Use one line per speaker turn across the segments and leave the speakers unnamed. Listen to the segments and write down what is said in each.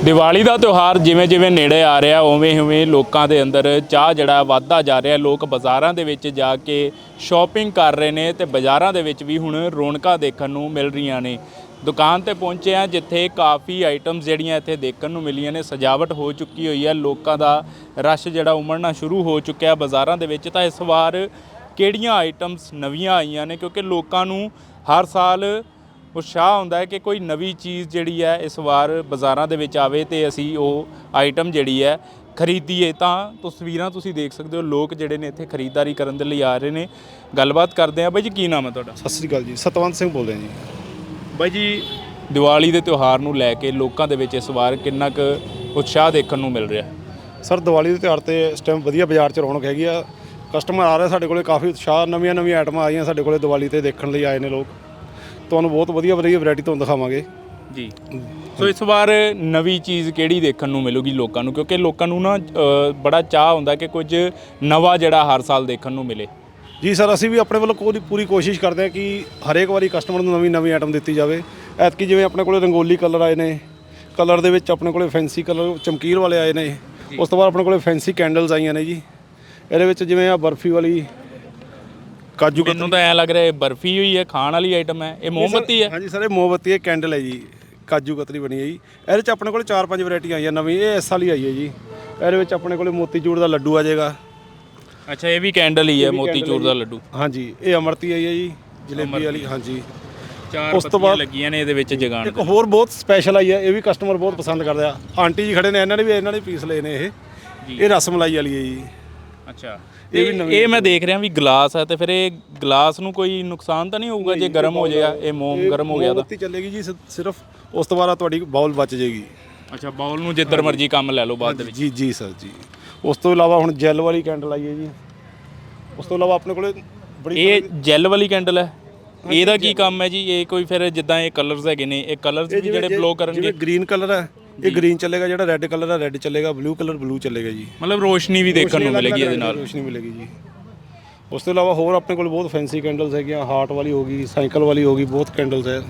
ਦੀਵਾਲੀ ਦਾ ਤਿਉਹਾਰ ਜਿਵੇਂ ਜਿਵੇਂ ਨੇੜੇ ਆ ਰਿਹਾ ਉਵੇਂ ਉਵੇਂ ਲੋਕਾਂ ਦੇ ਅੰਦਰ ਚਾਹ ਜਿਹੜਾ ਵੱਧਦਾ ਜਾ ਰਿਹਾ। ਲੋਕ ਬਾਜ਼ਾਰਾਂ ਦੇ ਵਿੱਚ ਜਾ ਕੇ ਸ਼ਾਪਿੰਗ ਕਰ ਰਹੇ ਨੇ ਤੇ ਬਾਜ਼ਾਰਾਂ ਦੇ ਵਿੱਚ ਵੀ ਹੁਣ ਰੌਣਕਾਂ ਦੇਖਣ ਨੂੰ ਮਿਲ ਰਹੀਆਂ ਨੇ। ਦੁਕਾਨ ਤੇ ਪਹੁੰਚੇ ਆ ਜਿੱਥੇ ਕਾਫੀ ਆਈਟਮਸ ਜਿਹੜੀਆਂ ਇੱਥੇ ਦੇਖਣ ਨੂੰ ਮਿਲੀਆਂ ਨੇ। ਸਜਾਵਟ ਹੋ ਚੁੱਕੀ ਹੋਈ ਹੈ, ਲੋਕਾਂ ਦਾ ਰਸ਼ ਜਿਹੜਾ ਉਮੜਨਾ ਸ਼ੁਰੂ ਹੋ ਚੁੱਕਿਆ ਬਾਜ਼ਾਰਾਂ ਦੇ ਵਿੱਚ। ਤਾਂ ਇਸ ਵਾਰ ਕਿਹੜੀਆਂ ਆਈਟਮਸ ਨਵੀਆਂ ਆਈਆਂ ਨੇ, ਕਿਉਂਕਿ ਲੋਕਾਂ ਨੂੰ ਹਰ ਸਾਲ ਉਤਸ਼ਾਹ ਹੁੰਦਾ ਹੈ ਕਿ ਕੋਈ ਨਵੀਂ ਚੀਜ਼ ਜਿਹੜੀ ਹੈ ਇਸ ਵਾਰ ਬਾਜ਼ਾਰਾਂ ਦੇ ਵਿੱਚ ਆਵੇ ਤੇ ਅਸੀਂ ਉਹ ਆਈਟਮ ਜਿਹੜੀ ਹੈ ਖਰੀਦੀਏ। ਤਾਂ ਤਸਵੀਰਾਂ ਤੁਸੀਂ ਦੇਖ ਸਕਦੇ ਹੋ, ਲੋਕ ਜਿਹੜੇ ਨੇ ਇੱਥੇ ਖਰੀਦਦਾਰੀ ਕਰਨ ਦੇ ਲਈ ਆ ਰਹੇ ਨੇ। ਗੱਲਬਾਤ ਕਰਦੇ ਆ। ਬਾਈ ਜੀ ਕੀ ਨਾਮ ਹੈ ਤੁਹਾਡਾ?
ਸਤਿ ਸ੍ਰੀ ਅਕਾਲ ਜੀ, ਸਤਵੰਤ ਸਿੰਘ ਬੋਲ ਰਿਹਾ ਜੀ।
ਬਾਈ ਜੀ ਦੀਵਾਲੀ ਦੇ ਤਿਉਹਾਰ ਨੂੰ ਲੈ ਕੇ ਲੋਕਾਂ ਦੇ ਵਿੱਚ ਇਸ ਵਾਰ ਕਿੰਨਾ ਕੁ ਉਤਸ਼ਾਹ ਦੇਖਣ ਨੂੰ ਮਿਲ ਰਿਹਾ?
ਸਰ ਦੀਵਾਲੀ ਦੇ ਤਿਉਹਾਰ ਤੇ ਇਸ ਟਾਈਮ ਵਧੀਆ ਬਾਜ਼ਾਰ 'ਚ ਰੌਣਕ ਹੈਗੀ ਆ। ਕਸਟਮਰ ਆ ਰਹੇ ਸਾਡੇ ਕੋਲੇ, ਕਾਫੀ ਉਤਸ਼ਾਹ, ਨਵੀਆਂ ਆਈਟਮਾਂ ਆਈਆਂ ਸਾਡੇ ਕੋਲੇ ਦੀਵਾਲੀ ਤੇ ਦੇਖਣ ਲਈ ਆਏ ਨੇ ਲੋਕ। ਤੁਹਾਨੂੰ ਬਹੁਤ ਵਧੀਆ ਵੈਰਾਈਟੀ ਤੁਹਾਨੂੰ ਦਿਖਾਵਾਂਗੇ ਜੀ।
ਸੋ ਇਸ ਵਾਰ ਨਵੀਂ ਚੀਜ਼ ਕਿਹੜੀ ਦੇਖਣ ਨੂੰ ਮਿਲੂਗੀ ਲੋਕਾਂ ਨੂੰ, ਕਿਉਂਕਿ ਲੋਕਾਂ ਨੂੰ ਨਾ ਬੜਾ ਚਾਹ ਹੁੰਦਾ ਕਿ ਕੁਝ ਨਵਾਂ ਜਿਹੜਾ ਹਰ ਸਾਲ ਦੇਖਣ ਨੂੰ ਮਿਲੇ?
ਜੀ ਸਰ, ਅਸੀਂ ਵੀ ਆਪਣੇ ਵੱਲੋਂ ਪੂਰੀ ਕੋਸ਼ਿਸ਼ ਕਰਦੇ ਹਾਂ ਕਿ ਹਰੇਕ ਵਾਰੀ ਕਸਟਮਰ ਨੂੰ ਨਵੀਂ ਆਈਟਮ ਦਿੱਤੀ ਜਾਵੇ। ਐਤਕੀ ਜਿਵੇਂ ਆਪਣੇ ਕੋਲੇ ਰੰਗੋਲੀ ਕਲਰ ਆਏ ਨੇ, ਕਲਰ ਦੇ ਵਿੱਚ ਆਪਣੇ ਕੋਲੇ ਫੈਂਸੀ ਕਲਰ ਚਮਕੀਲ ਵਾਲੇ ਆਏ ਨੇ। ਉਸ ਤੋਂ ਬਾਅਦ ਆਪਣੇ ਕੋਲੇ ਫੈਂਸੀ ਕੈਂਡਲਸ ਆਈਆਂ ਨੇ ਜੀ। ਇਹਦੇ ਵਿੱਚ ਜਿਵੇਂ ਆ ਬਰਫੀ ਵਾਲੀ ਕਾਜੂ,
ਮੈਨੂੰ ਤਾਂ ਐਂ ਲੱਗ ਰਿਹਾ ਬਰਫੀ ਹੋਈ ਹੈ, ਖਾਣ ਵਾਲੀ ਆਈਟਮ ਹੈ। ਇਹ ਮੋਮਬੱਤੀ ਹੈ?
ਹਾਂਜੀ ਸਰ, ਇਹ ਮੋਮਬੱਤੀ ਹੈ, ਕੈਂਡਲ ਹੈ ਜੀ, ਕਾਜੂ ਕਤਰੀ ਬਣੀ ਹੈ ਜੀ। ਇਹਦੇ 'ਚ ਆਪਣੇ ਕੋਲ 4-5 ਵੈਰਾਈਟੀਆਂ ਆਈਆਂ ਨਵੀਂ। ਇਹ ਇਸ ਵਾਲੀ ਆਈ ਹੈ ਜੀ। ਇਹਦੇ ਵਿੱਚ ਆਪਣੇ ਕੋਲੇ ਮੋਤੀਚੂਰ ਦਾ ਲੱਡੂ ਆ ਜਾਏਗਾ।
ਅੱਛਾ, ਇਹ ਵੀ ਕੈਂਡਲ ਹੀ ਹੈ, ਮੋਤੀਚੂਰ ਦਾ ਲੱਡੂ?
ਹਾਂਜੀ, ਇਹ ਅਮਰਤੀ ਆਈ ਹੈ ਜੀ, ਜਲੇਬੀ ਵਾਲੀ। ਹਾਂਜੀ,
ਉਸ ਤੋਂ ਬਾਅਦ ਲੱਗੀਆਂ ਨੇ ਇਹਦੇ ਵਿੱਚ ਜਗਾਣ।
ਇੱਕ ਹੋਰ ਬਹੁਤ ਸਪੈਸ਼ਲ ਆਈ ਹੈ, ਇਹ ਵੀ ਕਸਟਮਰ ਬਹੁਤ ਪਸੰਦ ਕਰਦੇ ਆ। ਆਂਟੀ ਜੀ ਖੜੇ ਨੇ, ਇਹਨਾਂ ਨੇ ਪੀਸ ਲਏ ਨੇ। ਇਹ ਰਸ ਮਲਾਈ ਵਾਲੀ ਹੈ ਜੀ।
ਅੱਛਾ, ਇਹ ਮੈਂ ਦੇਖ ਰਿਹਾ ਵੀ ਗਲਾਸ ਹੈ, ਤੇ ਫਿਰ ਇਹ ਗਲਾਸ ਨੂੰ ਕੋਈ ਨੁਕਸਾਨ ਤਾਂ ਨਹੀਂ ਹੋਊਗਾ ਜੇ ਗਰਮ ਹੋ ਜਾਏਗਾ? ਇਹ ਮੋਮ ਗਰਮ ਹੋ ਗਿਆ ਤਾਂ
ਮੋਮਬੱਤੀ ਚੱਲੇਗੀ ਜੀ ਸਿਰਫ। ਉਸ ਤੋਂ ਬਾਅਦ ਤੁਹਾਡੀ ਬਾਉਲ ਬਚ ਜਾਏਗੀ।
ਅੱਛਾ, ਬਾਉਲ ਨੂੰ ਜਿੱਧਰ ਮਰਜ਼ੀ ਕੰਮ ਲੈ ਲਓ ਬਾਅਦ ਦੇ ਵਿੱਚ?
ਜੀ ਸਰ ਜੀ। ਉਸ ਤੋਂ ਇਲਾਵਾ ਹੁਣ ਜੈਲ ਵਾਲੀ ਕੈਂਡਲ ਆਈ ਹੈ ਜੀ। ਉਸ ਤੋਂ ਇਲਾਵਾ ਆਪਣੇ ਕੋਲੇ
ਇਹ ਜੈਲ ਵਾਲੀ ਕੈਂਡਲ ਹੈ, ਇਹਦਾ ਕੀ ਕੰਮ ਹੈ ਜੀ? ਇਹ ਕੋਈ ਫਿਰ ਜਿੱਦਾਂ ਇਹ ਕਲਰਸ ਹੈਗੇ ਨੇ, ਇਹ ਕਲਰਸ ਵੀ ਜਿਹੜੇ ਬਲੋ ਕਰਨਗੇ?
ਜਿਵੇਂ ਗ੍ਰੀਨ ਕਲਰ ਹੈ, ਇਹ ਗ੍ਰੀਨ ਚੱਲੇਗਾ। ਜਿਹੜਾ ਰੈੱਡ ਕਲਰ ਹੈ, ਰੈੱਡ ਚੱਲੇਗਾ। ਬਲੂ ਕਲਰ ਬਲੂ ਚੱਲੇਗਾ ਜੀ।
ਮਤਲਬ ਰੋਸ਼ਨੀ ਵੀ ਦੇਖਣ ਨੂੰ ਮਿਲੇਗੀ ਇਹਦੇ ਨਾਲ?
ਰੋਸ਼ਨੀ ਮਿਲੇਗੀ ਜੀ। ਉਸ ਤੋਂ ਇਲਾਵਾ ਹੋਰ ਆਪਣੇ ਕੋਲ ਬਹੁਤ ਫੈਂਸੀ ਕੈਂਡਲਸ ਹੈਗੀਆਂ। ਹਾਰਟ ਵਾਲੀ ਹੋ ਗਈ, ਸਾਈਕਲ ਵਾਲੀ ਹੋ ਗਈ, ਬਹੁਤ ਕੈਂਡਲਸ ਹੈ।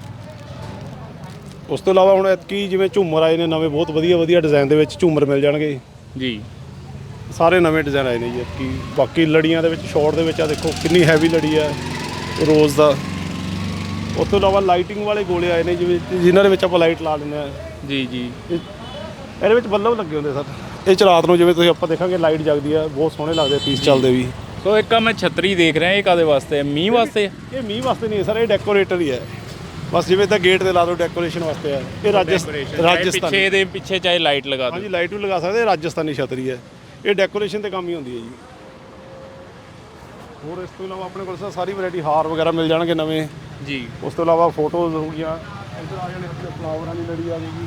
ਉਸ ਤੋਂ ਇਲਾਵਾ ਹੁਣ ਐਤਕੀ ਜਿਵੇਂ ਝੂਮਰ ਆਏ ਨੇ ਨਵੇਂ, ਬਹੁਤ ਵਧੀਆ ਡਿਜ਼ਾਈਨ ਦੇ ਵਿੱਚ ਝੂਮਰ ਮਿਲ ਜਾਣਗੇ ਜੀ। ਸਾਰੇ ਨਵੇਂ ਡਿਜ਼ਾਈਨ ਆਏ ਨੇ ਜੀ ਐਤਕੀ। ਬਾਕੀ ਲੜੀਆਂ ਦੇ ਵਿੱਚ ਸ਼ਾਰਟ ਦੇ ਵਿੱਚ ਆ ਦੇਖੋ ਕਿੰਨੀ ਹੈਵੀ ਲੜੀ ਹੈ ਰੋਜ਼ ਦਾ। ਉਸ ਤੋਂ ਇਲਾਵਾ ਲਾਈਟਿੰਗ ਵਾਲੇ ਗੋਲੇ ਆਏ ਨੇ, ਜਿਨ੍ਹਾਂ ਦੇ ਵਿੱਚ ਆਪਾਂ ਲਾਈਟ ਲਾ ਲੈਂਦੇ ਹਾਂ ਜੀ। ਇਹਦੇ ਵਿੱਚ ਬੱਲਬ ਲੱਗੇ ਹੁੰਦੇ ਸਰ। ਇਹ 'ਚ ਰਾਤ ਨੂੰ ਜਿਵੇਂ ਤੁਸੀਂ ਆਪਾਂ ਦੇਖਾਂਗੇ ਲਾਈਟ ਜਗਦੀ ਹੈ, ਬਹੁਤ ਸੋਹਣੇ ਲੱਗਦੇ ਪੀਸ ਚੱਲਦੇ ਵੀ।
ਸੋ ਇੱਕ ਮੈਂ ਛਤਰੀ ਦੇਖ ਰਿਹਾ, ਇਹ ਕਾਦੇ ਵਾਸਤੇ ਹੈ? ਮੀਂਹ ਵਾਸਤੇ?
ਇਹ ਮੀਂਹ ਵਾਸਤੇ ਨਹੀਂ ਹੈ ਸਰ, ਇਹ ਡੈਕੋਰੇਟਰ ਹੀ ਹੈ ਬਸ। ਜਿਵੇਂ ਤਾਂ ਗੇਟ ਤੇ ਲਾ ਦਿਓ, ਡੈਕੋਰੇਸ਼ਨ ਵਾਸਤੇ ਹੈ ਇਹ। ਰਾਜਸਥਾਨ
ਪਿੱਛੇ ਚਾਹੇ ਲਾਈਟ ਲਗਾ ਦਿਓ।
ਹਾਂਜੀ, ਲਾਈਟ ਵੀ ਲਗਾ ਸਕਦੇ। ਇਹ ਰਾਜਸਥਾਨੀ ਛਤਰੀ ਹੈ, ਇਹ ਡੈਕੋਰੇਸ਼ਨ ਤੇ ਕੰਮ ਹੀ ਹੁੰਦੀ ਹੈ ਜੀ। ਹੋਰ ਇਸ ਤੋਂ ਇਲਾਵਾ ਆਪਣੇ ਕੋਲ ਸਾਰੀ ਵੈਰਾਈਟੀ ਹਾਰ ਵਗੈਰਾ ਮਿਲ ਜਾਣਗੇ ਨਵੇਂ ਜੀ। ਉਸ ਤੋਂ ਇਲਾਵਾ ਫੋਟੋਜ਼ ਹੋ ਗਈਆਂ। ਇੱਧਰ ਆ ਜਾਣੇ ਫਲਾਵਰਾਂ ਦੀ ਲੜੀ ਆ ਗਈ।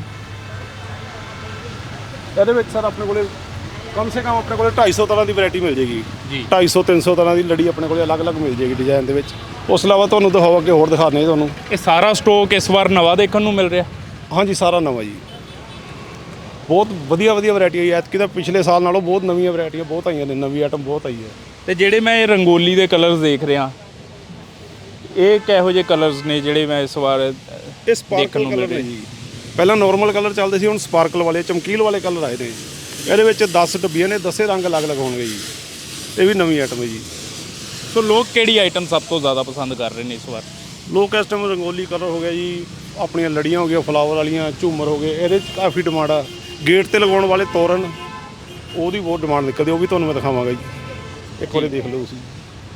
ਇਹਦੇ ਵਿੱਚ ਸਰ ਆਪਣੇ ਕੋਲੇ ਕਮ ਸੇ ਕਮ ਆਪਣੇ ਕੋਲੇ 250 ਤਰ੍ਹਾਂ ਦੀ ਵੈਰਾਈਟੀ ਮਿਲ ਜੇਗੀ ਜੀ। 250-300 ਤਰ੍ਹਾਂ ਦੀ ਲੜੀ ਆਪਣੇ ਕੋਲੇ ਅਲੱਗ-ਅਲੱਗ ਮਿਲ ਜੇਗੀ ਡਿਜ਼ਾਈਨ ਦੇ ਵਿੱਚ। ਉਸ ਤੋਂ ਇਲਾਵਾ ਤੁਹਾਨੂੰ ਦਿਖਾਓ, ਅੱਗੇ ਹੋਰ ਦਿਖਾਣੇ ਤੁਹਾਨੂੰ। ਇਹ
ਸਾਰਾ ਸਟਾਕ ਇਸ ਵਾਰ ਨਵਾਂ ਦੇਖਣ ਨੂੰ ਮਿਲ ਰਿਹਾ?
ਹਾਂਜੀ, ਸਾਰਾ ਨਵਾਂ ਜੀ। ਬਹੁਤ ਵਧੀਆ ਵੈਰਾਈਟੀ ਆਈ ਹੈ ਐਤਕੀ ਤਾਂ। ਪਿਛਲੇ ਸਾਲ ਨਾਲੋਂ ਬਹੁਤ ਨਵੀਆਂ ਵੈਰਾਈਟੀਆਂ ਬਹੁਤ ਆਈਆਂ ਨੇ, ਨਵੀਂ ਆਈਟਮ ਬਹੁਤ ਆਈ ਹੈ।
ਤੇ ਜਿਹੜੇ ਮੈਂ ਇਹ ਰੰਗੋਲੀ ਦੇ ਕਲਰਸ ਦੇਖ ਰਿਹਾ, ਇਹ ਕਿਹੋ ਜਿਹੇ ਕਲਰਸ ਨੇ ਜਿਹੜੇ ਮੈਂ ਇਸ ਵਾਰ
ਇਹ ਸਪਾਰਕਲ ਕਲਰ ਨੇ ਜੀ। ਪਹਿਲਾਂ ਨਾਰਮਲ ਕਲਰ ਚੱਲਦੇ ਸੀ, ਹੁਣ ਸਪਾਰਕਲ ਵਾਲੇ ਚਮਕੀਲ ਵਾਲੇ ਕਲਰ ਆਏ ਨੇ। ਇਹਦੇ ਵਿੱਚ 10 ਡੱਬੀਆਂ ਨੇ, 10 ਰੰਗ ਅਲੱਗ-ਅਲੱਗ ਹੋਣਗੇ ਜੀ। ਇਹ ਵੀ ਨਵੀਂ ਆਈਟਮ ਹੈ ਜੀ।
ਸੋ ਲੋਕ ਕਿਹੜੀ ਆਈਟਮ ਸਭ ਤੋਂ ਜ਼ਿਆਦਾ ਪਸੰਦ ਕਰ ਰਹੇ ਨੇ ਇਸ ਵਾਰ?
ਲੋਕ ਇਸ ਟਾਈਮ ਰੰਗੋਲੀ ਕਲਰ ਹੋ ਗਿਆ ਜੀ, ਆਪਣੀਆਂ ਲੜੀਆਂ ਹੋ ਗਈਆਂ ਫਲਾਵਰ ਵਾਲੀਆਂ, ਝੂਮਰ ਹੋ ਗਏ। ਇਹਦੇ 'ਚ ਕਾਫੀ ਡਿਮਾਂਡ ਆ। ਗੇਟ ਤੇ ਲਗਾਉਣ ਵਾਲੇ ਤੋਰਨ, ਉਹਦੀ ਬਹੁਤ ਡਿਮਾਂਡ ਨਿਕਲਦੀ, ਉਹ ਵੀ ਤੁਹਾਨੂੰ ਮੈਂ ਦਿਖਾਵਾਂਗਾ ਜੀ। ਇੱਕ ਵਾਰੀ ਦੇਖ ਲਓ ਤੁਸੀਂ।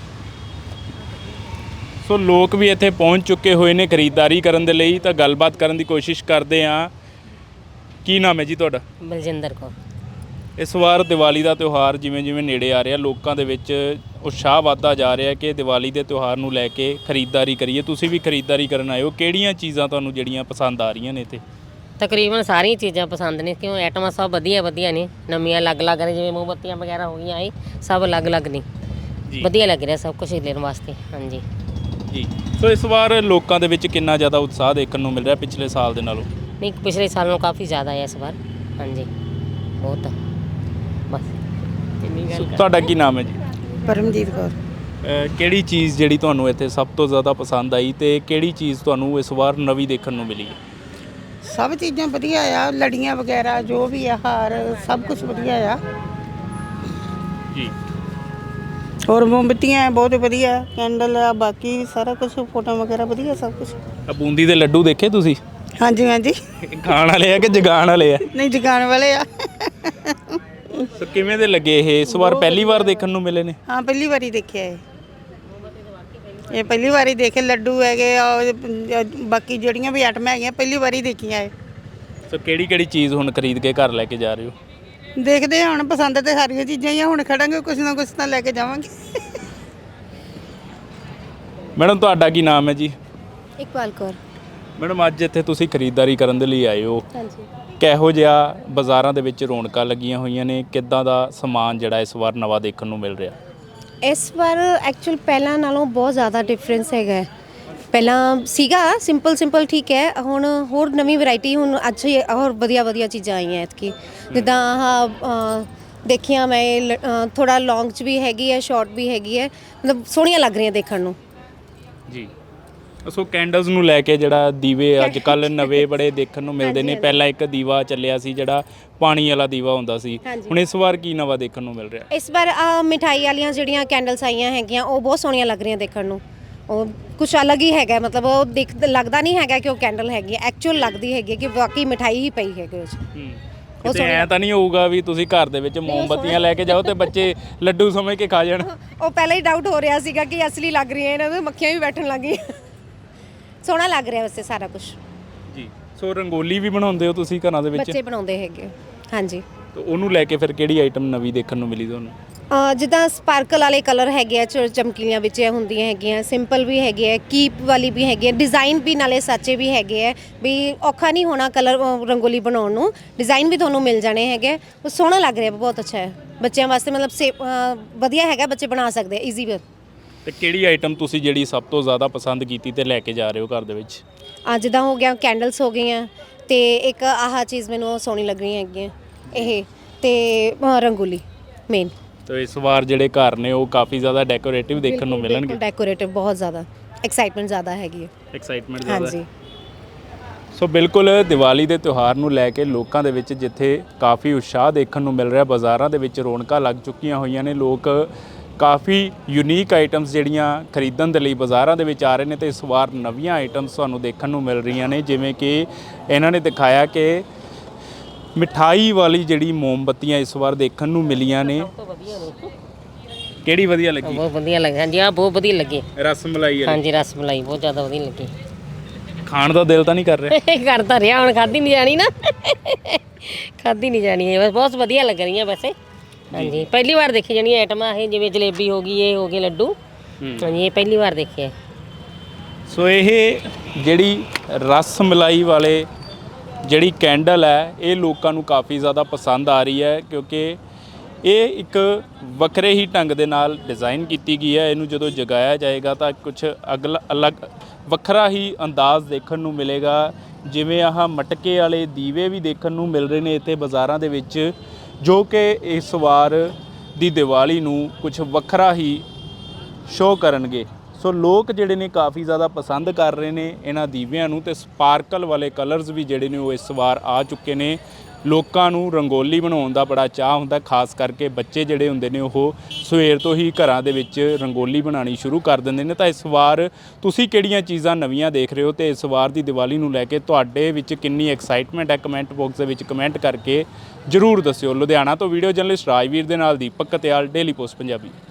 ਸੋ ਲੋਕ ਵੀ ਇੱਥੇ ਪਹੁੰਚ ਚੁੱਕੇ ਹੋਏ ਨੇ ਖਰੀਦਦਾਰੀ ਕਰਨ ਦੇ ਲਈ। ਤਾਂ ਗੱਲਬਾਤ ਕਰਨ ਦੀ ਕੋਸ਼ਿਸ਼ ਕਰਦੇ ਹਾਂ। ਕੀ ਨਾਮ ਹੈ ਜੀ ਤੁਹਾਡਾ?
ਬਲਜਿੰਦਰ ਕੌਰ।
ਇਸ ਵਾਰ ਦੀਵਾਲੀ ਦਾ ਤਿਉਹਾਰ ਜਿਵੇਂ ਨੇੜੇ ਆ ਰਿਹਾ, ਲੋਕਾਂ ਦੇ ਵਿੱਚ ਉਤਸ਼ਾਹ ਵੱਧਦਾ ਜਾ ਰਿਹਾ ਕਿ ਦੀਵਾਲੀ ਦੇ ਤਿਉਹਾਰ ਨੂੰ ਲੈ ਕੇ ਖਰੀਦਦਾਰੀ ਕਰੀਏ। ਤੁਸੀਂ ਵੀ ਖਰੀਦਦਾਰੀ ਕਰਨ ਆਏ ਹੋ, ਕਿਹੜੀਆਂ ਚੀਜ਼ਾਂ ਤੁਹਾਨੂੰ ਜਿਹੜੀਆਂ ਪਸੰਦ ਆ ਰਹੀਆਂ ਨੇ ਇੱਥੇ?
ਤਕਰੀਬਨ ਸਾਰੀਆਂ ਚੀਜ਼ਾਂ ਪਸੰਦ ਨੇ, ਕਿਉਂ ਆਈਟਮਾਂ ਸਭ ਵਧੀਆ ਨੇ, ਨਵੀਆਂ ਅਲੱਗ-ਅਲੱਗ ਨੇ। ਜਿਵੇਂ ਮੋਮਬੱਤੀਆਂ ਵਗੈਰਾ ਹੋ ਗਈਆਂ, ਇਹ ਸਭ ਅਲੱਗ-ਅਲੱਗ ਨੇ। ਵਧੀਆ ਲੱਗ ਰਿਹਾ ਸਭ ਕੁਝ ਲੈਣ ਵਾਸਤੇ। ਹਾਂਜੀ
ਜੀ। ਸੋ ਇਸ ਵਾਰ ਲੋਕਾਂ ਦੇ ਵਿੱਚ ਕਿੰਨਾ ਜ਼ਿਆਦਾ ਉਤਸ਼ਾਹ ਦੇਖਣ ਨੂੰ ਮਿਲ ਰਿਹਾ ਪਿਛਲੇ ਸਾਲ ਦੇ ਨਾਲੋਂ?
ਨਹੀਂ, ਪਿਛਲੇ ਸਾਲ ਨਾਲੋਂ ਕਾਫੀ ਜ਼ਿਆਦਾ ਹੈ ਇਸ ਵਾਰ। ਹਾਂਜੀ, ਬਹੁਤ। ਬਸ
ਤੁਹਾਡਾ ਕੀ ਨਾਮ ਹੈ ਜੀ?
ਪਰਮਜੀਤ ਕੌਰ।
ਕਿਹੜੀ ਚੀਜ਼ ਜਿਹੜੀ ਤੁਹਾਨੂੰ ਇੱਥੇ ਸਭ ਤੋਂ ਜ਼ਿਆਦਾ ਪਸੰਦ ਆਈ, ਤੇ ਕਿਹੜੀ ਚੀਜ਼ ਤੁਹਾਨੂੰ ਇਸ ਵਾਰ ਨਵੀਂ ਦੇਖਣ ਨੂੰ ਮਿਲੀ ਹੈ?
ਸਭ ਚੀਜ਼ਾਂ ਵਧੀਆ ਆ, ਲੜੀਆਂ ਵਗੈਰਾ ਜੋ ਵੀ ਆ, ਹਾਰ ਸਭ ਕੁਝ ਵਧੀਆ ਆ।
ਜੀ
ਹੋਰ ਮੋਮਬੱਤੀਆਂ ਬਹੁਤ ਵਧੀਆ, ਕੈਂਡਲ ਆ, ਬਾਕੀ ਸਾਰਾ ਕੁਝ ਫੋਟੋ ਵਗੈਰਾ ਵਧੀਆ ਸਭ ਕੁਝ।
ਆ ਬੂੰਦੀ ਦੇ ਲੱਡੂ ਦੇਖੇ ਤੁਸੀਂ?
ਹਾਂਜੀ ਹਾਂਜੀ,
ਖਾਣ ਵਾਲੇ ਆ ਕਿ ਜਗਾਉਣ ਵਾਲੇ ਆ?
ਨਹੀਂ ਜਗਾਉਣ ਵਾਲੇ ਆ।
ਸੋ ਕਿਵੇਂ ਦੇ ਲੱਗੇ ਇਹ ਇਸ ਵਾਰ ਪਹਿਲੀ ਵਾਰ ਦੇਖਣ ਨੂੰ ਮਿਲੇ ਨੇ?
ਹਾਂ ਪਹਿਲੀ ਵਾਰੀ ਦੇਖਿਆ ਇਹ ਪਹਿਲੀ ਵਾਰੀ ਦੇਖੇ ਲੱਡੂ ਹੈਗੇ ਆ, ਬਾਕੀ ਜਿਹੜੀਆਂ ਵੀ ਆਈਟਮਾਂ ਹੈਗੀਆਂ ਪਹਿਲੀ ਵਾਰੀ ਦੇਖੀਆਂ ਇਹ।
ਸੋ ਕਿਹੜੀ ਕਿਹੜੀ ਚੀਜ਼ ਹੁਣ ਖਰੀਦ ਕੇ ਘਰ ਲੈ ਕੇ ਜਾ ਰਹੇ ਹੋ?
ਦੇਖਦੇ ਹਾਂ ਹੁਣ, ਪਸੰਦ ਤੇ ਸਾਰੀਆਂ ਚੀਜ਼ਾਂ ਹੀ ਆ, ਹੁਣ ਖੜਾਂਗੇ ਕੁਝ ਨਾ ਕੁਝ ਤਾਂ ਲੈ ਕੇ ਜਾਵਾਂਗੇ।
ਮੈਡਮ ਤੁਹਾਡਾ ਕੀ ਨਾਮ ਹੈ ਜੀ?
ਇਕਬਾਲ ਕੌਰ।
ਮੈਡਮ ਅੱਜ ਇੱਥੇ ਤੁਸੀਂ ਖਰੀਦਦਾਰੀ ਕਰਨ ਦੇ ਲਈ ਆਏ ਹੋ,
ਹਾਂਜੀ।
ਕਿਹੋ ਜਿਹਾ ਬਾਜ਼ਾਰਾਂ ਦੇ ਵਿੱਚ ਰੌਣਕਾਂ ਲੱਗੀਆਂ ਹੋਈਆਂ ਨੇ, ਕਿੱਦਾਂ ਦਾ ਸਮਾਨ ਜਿਹੜਾ ਇਸ ਵਾਰ ਨਵਾਂ ਦੇਖਣ ਨੂੰ ਮਿਲ ਰਿਹਾ?
ਇਸ ਵਾਰ ਐਕਚੁਅਲ ਪਹਿਲਾਂ ਨਾਲੋਂ ਬਹੁਤ ਜ਼ਿਆਦਾ ਡਿਫਰੈਂਸ ਹੈਗਾ ਹੈ। ਪਹਿਲਾਂ ਸੀਗਾ ਸਿੰਪਲ ਠੀਕ ਹੈ, ਹੁਣ ਹੋਰ ਨਵੀਂ ਵੈਰਾਈਟੀ, ਹੁਣ ਅੱਛੀ ਹੋਰ ਵਧੀਆ ਚੀਜ਼ਾਂ ਆਈਆਂ ਐਤਕੀ। ਜਿੱਦਾਂ ਆਹ ਦੇਖੀਆਂ ਮੈਂ, ਥੋੜਾ ਲੌਂਗ 'ਚ ਵੀ ਹੈਗੀ ਹੈ, ਸ਼ਾਰਟ ਵੀ ਹੈਗੀ ਹੈ, ਮਤਲਬ ਸੋਹਣੀਆਂ ਲੱਗ ਰਹੀਆਂ ਦੇਖਣ ਨੂੰ।
ਜੀ ਸੋ ਕੈਂਡਲਸ ਨੂੰ ਲੈ ਕੇ ਜਿਹੜਾ ਦੀਵੇ ਅੱਜ ਕੱਲ ਨਵੇਂ ਬੜੇ ਦੇਖਣ ਨੂੰ ਮਿਲਦੇ ਨੇ, ਪਹਿਲਾਂ ਇੱਕ ਦੀਵਾ ਚੱਲਿਆ ਸੀ ਜਿਹੜਾ ਪਾਣੀ ਵਾਲਾ ਦੀਵਾ ਹੁੰਦਾ ਸੀ, ਹੁਣ ਇਸ ਵਾਰ ਕੀ ਨਵਾਂ ਦੇਖਣ ਨੂੰ ਮਿਲ ਰਿਹਾ?
ਇਸ ਵਾਰ ਮਿਠਾਈ ਵਾਲੀਆਂ ਜਿਹੜੀਆਂ ਕੈਂਡਲਸ ਆਈਆਂ ਹੈਗੀਆਂ ਉਹ ਬਹੁਤ ਸੋਹਣੀਆਂ ਲੱਗ ਰਹੀਆਂ ਦੇਖਣ ਨੂੰ। ਉਹ ਕੁਛ ਅਲੱਗ ਹੀ ਹੈਗਾ, ਮਤਲਬ ਉਹ ਲੱਗਦਾ ਨਹੀਂ ਹੈਗਾ ਕਿ ਉਹ ਕੈਂਡਲ ਹੈਗੀ, ਐਕਚੁਅਲ ਲੱਗਦੀ ਹੈਗੀ ਕਿ ਵਾਕਈ ਮਿਠਾਈ ਹੀ ਪਈ ਹੈਗੀ ਉਸ 'ਚ।
ਉਹ ਐਂ ਤਾਂ ਨਹੀਂ ਹੋਊਗਾ ਵੀ ਤੁਸੀਂ ਘਰ ਦੇ ਵਿੱਚ ਮੋਮਬੱਤੀਆਂ ਲੈ ਕੇ ਜਾਓ ਤੇ ਬੱਚੇ ਲੱਡੂ ਸਮਝ ਕੇ ਖਾ ਜਾਣ?
ਉਹ ਪਹਿਲਾਂ ਹੀ ਡਾਊਟ ਹੋ ਰਿਹਾ ਸੀਗਾ ਕਿ ਅਸਲੀ ਲੱਗ ਰਹੀਆਂ, ਇਹਨਾਂ ਦੇ ਮੱਖੀਆਂ ਵੀ ਬੈਠਣ ਲੱਗ ਗਈਆਂ। ਸੋਹਣਾ ਲੱਗ ਰਿਹਾ ਵੈਸੇ ਸਾਰਾ ਕੁਝ।
ਜੀ ਸੋ ਰੰਗੋਲੀ ਵੀ ਬਣਾਉਂਦੇ ਹੋ ਤੁਸੀਂ ਘਰਾਂ ਦੇ ਵਿੱਚ?
ਬੱਚੇ ਬਣਾਉਂਦੇ ਹੈਗੇ। ਹਾਂਜੀ।
ਤੇ ਉਹਨੂੰ ਲੈ ਕੇ ਫਿਰ ਕਿਹੜੀ ਆਈਟਮ ਨਵੀਂ ਦੇਖਣ ਨੂੰ ਮਿਲੀ ਤੁਹਾਨੂੰ?
ਜਿੱਦਾਂ ਸਪਾਰਕਲ ਵਾਲੇ ਕਲਰ ਹੈਗੇ ਆ, ਚਮਕੀਲੀਆਂ ਵਿੱਚ ਹੁੰਦੀਆਂ ਹੈਗੀਆਂ, ਸਿੰਪਲ ਵੀ ਹੈਗੇ ਆ, ਕੀਪ ਵਾਲੀ ਵੀ ਹੈਗੀ ਹੈ, ਡਿਜ਼ਾਈਨ ਵੀ ਨਾਲੇ ਸਾਚੇ ਵੀ ਹੈਗੇ ਆ, ਵੀ ਔਖਾ ਨਹੀਂ ਹੋਣਾ ਕਲਰ ਰੰਗੋਲੀ ਬਣਾਉਣ ਨੂੰ, ਡਿਜ਼ਾਈਨ ਵੀ ਤੁਹਾਨੂੰ ਮਿਲ ਜਾਣੇ ਹੈਗੇ। ਉਹ ਸੋਹਣਾ ਲੱਗ ਰਿਹਾ, ਬਹੁਤ ਅੱਛਾ ਹੈ ਬੱਚਿਆਂ ਵਾਸਤੇ, ਮਤਲਬ ਵਧੀਆ ਹੈਗਾ, ਬੱਚੇ ਬਣਾ ਸਕਦੇ ਆ ਈਜ਼ੀ ਵੇ।
ਤੇ ਕਿਹੜੀ ਆਈਟਮ ਤੁਸੀਂ ਜਿਹੜੀ ਸਭ ਤੋਂ ਜ਼ਿਆਦਾ ਪਸੰਦ ਕੀਤੀ ਤੇ ਲੈ ਕੇ ਜਾ ਰਹੇ ਹੋ ਘਰ ਦੇ ਵਿੱਚ?
ਜਿੱਦਾਂ ਹੋ ਗਿਆ ਕੈਂਡਲਸ ਹੋ ਗਈਆਂ, ਤੇ ਇੱਕ ਆਹ ਚੀਜ਼ ਮੈਨੂੰ ਸੋਹਣੀ ਲੱਗ ਰਹੀ ਹੈਗੀ ਇਹ, ਤੇ ਰੰਗੋਲੀ ਮੇਨ।
ਤੇ ਇਸ ਵਾਰ ਜਿਹੜੇ ਘਰ ਨੇ ਉਹ ਕਾਫੀ ਜ਼ਿਆਦਾ ਡੈਕੋਰੇਟਿਵ ਦੇਖਣ ਨੂੰ ਮਿਲਣਗੇ?
ਡੈਕੋਰੇਟਿਵ ਬਹੁਤ ਜ਼ਿਆਦਾ, ਐਕਸਾਈਟਮੈਂਟ ਜ਼ਿਆਦਾ ਹੈਗੀ ਹੈ।
ਐਕਸਾਈਟਮੈਂਟ ਜ਼ਿਆਦਾ?
ਹਾਂਜੀ।
ਸੋ ਬਿਲਕੁਲ ਦੀਵਾਲੀ ਦੇ ਤਿਉਹਾਰ ਨੂੰ ਲੈ ਕੇ ਲੋਕਾਂ ਦੇ ਵਿੱਚ ਜਿੱਥੇ ਕਾਫੀ ਉਤਸ਼ਾਹ ਦੇਖਣ ਨੂੰ ਮਿਲ ਰਿਹਾ, ਬਾਜ਼ਾਰਾਂ ਦੇ ਵਿੱਚ ਰੌਣਕਾਂ ਲੱਗ ਚੁੱਕੀਆਂ ਹੋਈਆਂ ਨੇ, ਲੋਕ ਕਾਫੀ ਯੂਨੀਕ ਆਈਟਮਸ ਜਿਹੜੀਆਂ ਖਰੀਦਣ ਦੇ ਲਈ ਬਾਜ਼ਾਰਾਂ ਦੇ ਵਿੱਚ ਆ ਰਹੇ ਨੇ, ਤੇ ਇਸ ਵਾਰ ਨਵੀਆਂ ਆਈਟਮਸ ਤੁਹਾਨੂੰ ਦੇਖਣ ਨੂੰ ਮਿਲ ਰਹੀਆਂ ਨੇ, ਜਿਵੇਂ ਕਿ ਇਹਨਾਂ ਨੇ ਦਿਖਾਇਆ ਕਿ ਮਿਠਾਈ ਵਾਲੀ ਜਿਹੜੀ ਮੋਮਬੱਤੀਆਂ ਇਸ ਵਾਰ ਦੇਖਣ ਨੂੰ ਮਿਲੀਆਂ ਨੇ। ਕਿਹੜੀ ਵਧੀਆ ਲੱਗੀ?
ਬਹੁਤ ਵਧੀਆ ਲੱਗੀ। ਹਾਂਜੀ ਆ ਬਹੁਤ ਵਧੀਆ ਲੱਗੀ।
ਰਸ ਮਲਾਈ ਵਾਲੀ?
ਹਾਂਜੀ ਰਸ ਮਲਾਈ ਬਹੁਤ ਜ਼ਿਆਦਾ ਵਧੀਆ ਲੱਗੀ।
ਖਾਣ ਦਾ ਦਿਲ ਤਾਂ ਨਹੀਂ ਕਰ ਰਿਹਾ?
ਕਰਦਾ ਰਿਹਾ, ਹੁਣ ਖਾਧੀ ਨਹੀਂ ਜਾਣੀ ਨਾ, ਖਾਧੀ ਨਹੀਂ ਜਾਣੀ ਹੈ, ਬਹੁਤ ਵਧੀਆ ਲੱਗ ਰਹੀਆਂ ਵੈਸੇ। ਹਾਂਜੀ ਪਹਿਲੀ ਵਾਰ ਦੇਖੀ ਜਾਣੀ ਆਈਟਮਾਂ ਇਹ, ਜਿਵੇਂ ਜਲੇਬੀ ਹੋ ਗਈ, ਇਹ ਹੋ ਗਏ ਲੱਡੂ। ਹਾਂਜੀ ਇਹ ਪਹਿਲੀ ਵਾਰ ਦੇਖਿਆ।
ਸੋ ਇਹ ਜਿਹੜੀ ਰਸ ਮਲਾਈ ਵਾਲੇ ਜਿਹੜੀ ਕੈਂਡਲ ਹੈ, ਇਹ ਲੋਕਾਂ ਨੂੰ ਕਾਫੀ ਜ਼ਿਆਦਾ ਪਸੰਦ ਆ ਰਹੀ ਹੈ, ਕਿਉਂਕਿ ਇਹ ਇੱਕ ਵੱਖਰੇ ਹੀ ਢੰਗ ਦੇ ਨਾਲ ਡਿਜ਼ਾਈਨ ਕੀਤੀ ਗਈ ਹੈ। ਇਹਨੂੰ ਜਦੋਂ ਜਗਾਇਆ ਜਾਏਗਾ ਤਾਂ ਕੁਝ ਅਲੱਗ ਵੱਖਰਾ ਹੀ ਅੰਦਾਜ਼ ਦੇਖਣ ਨੂੰ ਮਿਲੇਗਾ। ਜਿਵੇਂ ਆਹ ਮਟਕੇ ਵਾਲੇ ਦੀਵੇ ਵੀ ਦੇਖਣ ਨੂੰ ਮਿਲ ਰਹੇ ਨੇ ਇੱਥੇ ਬਾਜ਼ਾਰਾਂ ਦੇ ਵਿੱਚ, ਜੋ ਕਿ ਇਸ ਵਾਰ ਦੀ ਦੀਵਾਲੀ ਨੂੰ ਕੁਝ ਵੱਖਰਾ ਹੀ ਸ਼ੋਅ ਕਰਨਗੇ। ਸੋ ਲੋਕ ਜਿਹੜੇ ਨੇ ਕਾਫੀ ਜ਼ਿਆਦਾ ਪਸੰਦ ਕਰ ਰਹੇ ਨੇ ਇਹਨਾਂ ਦੀਵਿਆਂ ਨੂੰ, ਤੇ ਸਪਾਰਕਲ ਵਾਲੇ ਕਲਰਸ ਵੀ ਜਿਹੜੇ ਨੇ ਉਹ ਇਸ ਵਾਰ ਆ ਚੁੱਕੇ ਨੇ। ਲੋਕਾਂ ਨੂੰ ਰੰਗੋਲੀ ਬਣਾਉਣ ਦਾ ਬੜਾ ਚਾਅ ਹੁੰਦਾ, ਖਾਸ ਕਰਕੇ ਬੱਚੇ ਜਿਹੜੇ ਹੁੰਦੇ ਨੇ ਉਹ ਸਵੇਰ ਤੋਂ ਹੀ ਘਰਾਂ ਦੇ ਵਿੱਚ ਰੰਗੋਲੀ ਬਣਾਉਣੀ ਸ਼ੁਰੂ ਕਰ ਦਿੰਦੇ ਨੇ। ਤਾਂ ਇਸ ਵਾਰ ਤੁਸੀਂ ਕਿਹੜੀਆਂ ਚੀਜ਼ਾਂ ਨਵੀਆਂ ਦੇਖ ਰਹੇ ਹੋ, ਤੇ ਇਸ ਵਾਰ ਦੀ ਦੀਵਾਲੀ ਨੂੰ ਲੈ ਕੇ ਤੁਹਾਡੇ ਵਿੱਚ ਕਿੰਨੀ ਐਕਸਾਈਟਮੈਂਟ ਹੈ, ਕਮੈਂਟ ਬਾਕਸ ਦੇ ਵਿੱਚ ਕਮੈਂਟ ਕਰਕੇ ਜ਼ਰੂਰ ਦੱਸਿਓ। ਲੁਧਿਆਣਾ ਤੋਂ ਵੀਡੀਓ ਜਰਨਲਿਸਟ ਰਾਜਵੀਰ ਦੇ ਨਾਲ ਦੀਪਕ ਕਤਿਆਲ, ਡੇਲੀ ਪੋਸਟ ਪੰਜਾਬੀ।